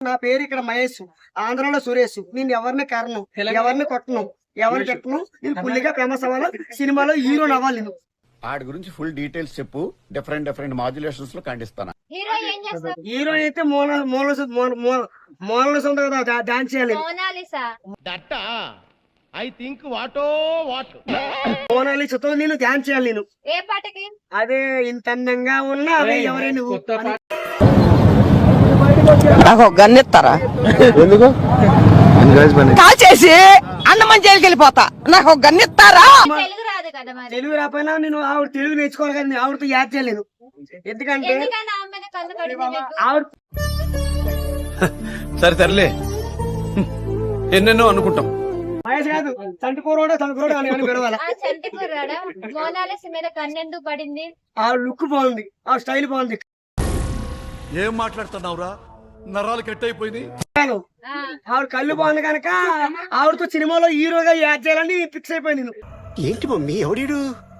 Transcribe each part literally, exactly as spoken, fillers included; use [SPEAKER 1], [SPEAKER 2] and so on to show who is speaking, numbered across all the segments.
[SPEAKER 1] నా పేరు ఇక్కడ మహేష్, ఆంధ్రాలో సురేష్. నేను ఎవరిని కారణం, ఎవరిని కొట్టను, ఎవరిని పెట్టను. నేను ఫుల్గా ఫేమస్ అవ్వాలి, సినిమాలో హీరో అవ్వాలి. నేను
[SPEAKER 2] వాడి గురించి ఫుల్ డీటెయిల్స్ చెప్పు. డిఫరెంట్ డిఫరెంట్ మాడ్యులేషన్స్ లో ఖండిస్తాను.
[SPEAKER 1] హీరో అయితే మోన మోన మోనలిస ఉంది కదా, డాన్స్ చేయాలి.
[SPEAKER 3] ఐ థింక్ వాటో వాట్
[SPEAKER 1] మోనాలిసతో నేను డాన్స్ చేయాలి. నేను
[SPEAKER 4] ఏ పాటకి?
[SPEAKER 1] అదే ఇంత అందంగా ఉన్నా అదే ఎవరే నువ్వు.
[SPEAKER 5] నాకు గన్నెత్తారా?
[SPEAKER 6] ఎందుకు
[SPEAKER 5] కాల్ చేసి అన్నమని జైలుకి వెళ్ళిపోతా. నాకు గన్నెత్తారా?
[SPEAKER 4] తెలుగు రాదు కదా మరి.
[SPEAKER 1] తెలుగు రాకపోయినా నేను ఆవిడ తెలుగు నేర్చుకోవాలి కానీ ఆవిడతో యాడ్ చేయలేను. ఎందుకంటే
[SPEAKER 4] ఎందుకని ఆమె మీద కన్ను పడింది మీకు?
[SPEAKER 1] ఆవిడ
[SPEAKER 6] సరే సర్లే, ఎన్నెన్నో అనుకుంటాం.
[SPEAKER 1] మహేష్ కాదు, తంటుకోరోడా తంటుకోరోడా అని అని పిలవాలి.
[SPEAKER 4] ఆ చంటి కుర్రాడా మోనాలిస మీద కన్ను ఎందుకు పడింది?
[SPEAKER 1] ఆవిడ లుక్ బాగుంది, ఆ స్టైల్ బాగుంది.
[SPEAKER 7] ఏం మాట్లాడుతున్నావురా? నరాలు కట్ అయిపోయింది.
[SPEAKER 4] ఆ,
[SPEAKER 1] ఆవిడ కళ్ళు బాగుంది కనుక ఆవిడతో సినిమాలో హీరోగా యాడ్ చేయాలని ఫిక్స్ అయిపోయి నేను.
[SPEAKER 2] ఏంటి మమ్మీ ఎవడీడు?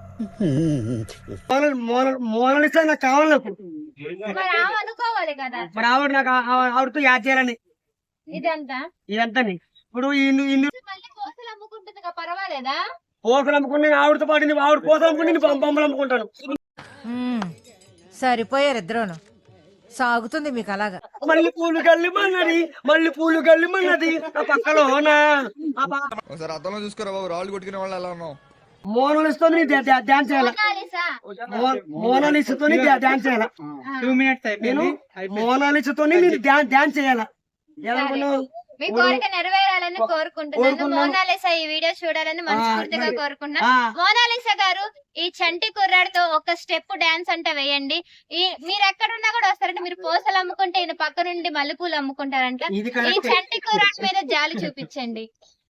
[SPEAKER 1] మోనాలిసా నాకు కావాలి. నాకు
[SPEAKER 4] మరి ఆమె అనుకోవాలి కదా.
[SPEAKER 1] మరి ఆవిడ నాకు ఆ- ఆవిడతో యాడ్ చేయాలని
[SPEAKER 4] ఇదంతా
[SPEAKER 1] ఇదంతా ఇప్పుడు ఇన్ని ఇన్ని
[SPEAKER 4] మళ్ళీ కోసలు అమ్ముకుంటుంది కదా, పర్వాలేదా?
[SPEAKER 1] పోసలు అమ్ముకుని నేను ఆవిడతో పాటు నేను ఆవిడ పోసలు అమ్ముకుని నేను బొమ్మ- బొమ్మలు అమ్ముకుంటాను.
[SPEAKER 8] సరిపోయారు ఇద్దరును. సాగుతుంది మీకు అలాగా.
[SPEAKER 1] మళ్ళీ పూలు గల్లిమన్నది, మళ్ళీ పూలు గల్లిమన్నది ఆ పక్కలోనా
[SPEAKER 7] ఒకసారి అర్థంలో చూసుకోరా బాబు, రాళ్ళు కొట్టుకునే వాళ్ళు ఎలా ఉన్నావు?
[SPEAKER 1] మోనాలిస్తో డాన్స్ చేయాల.
[SPEAKER 4] మోనాలిసా
[SPEAKER 1] మోనాలిస్తో డాన్స్ చేయాల. నేను మోనాలిస్తో నేను డాన్స్ చేయాల. ఎలా అనుకున్నావు?
[SPEAKER 4] మీ కోరిక నెరవేరాలని కోరుకుంటున్నాను. మోనాలిసా ఈ వీడియో చూడాలని మనస్ఫూర్తిగా కోరుకుంటున్నా. మోనాలిసా గారు, ఈ చంటి కుర్రాడితో ఒక స్టెప్ డాన్స్ అంటే వేయండి. ఈ మీరు ఎక్కడున్నా కూడా వస్తారంటే మీరు పూసలు అమ్ముకుంటే ఈయన పక్క నుండి మల్లెపూలు అమ్ముకుంటారంట.
[SPEAKER 1] ఇది
[SPEAKER 4] ఈ చంటి కుర్రాడి మీద జాలి చూపించండి.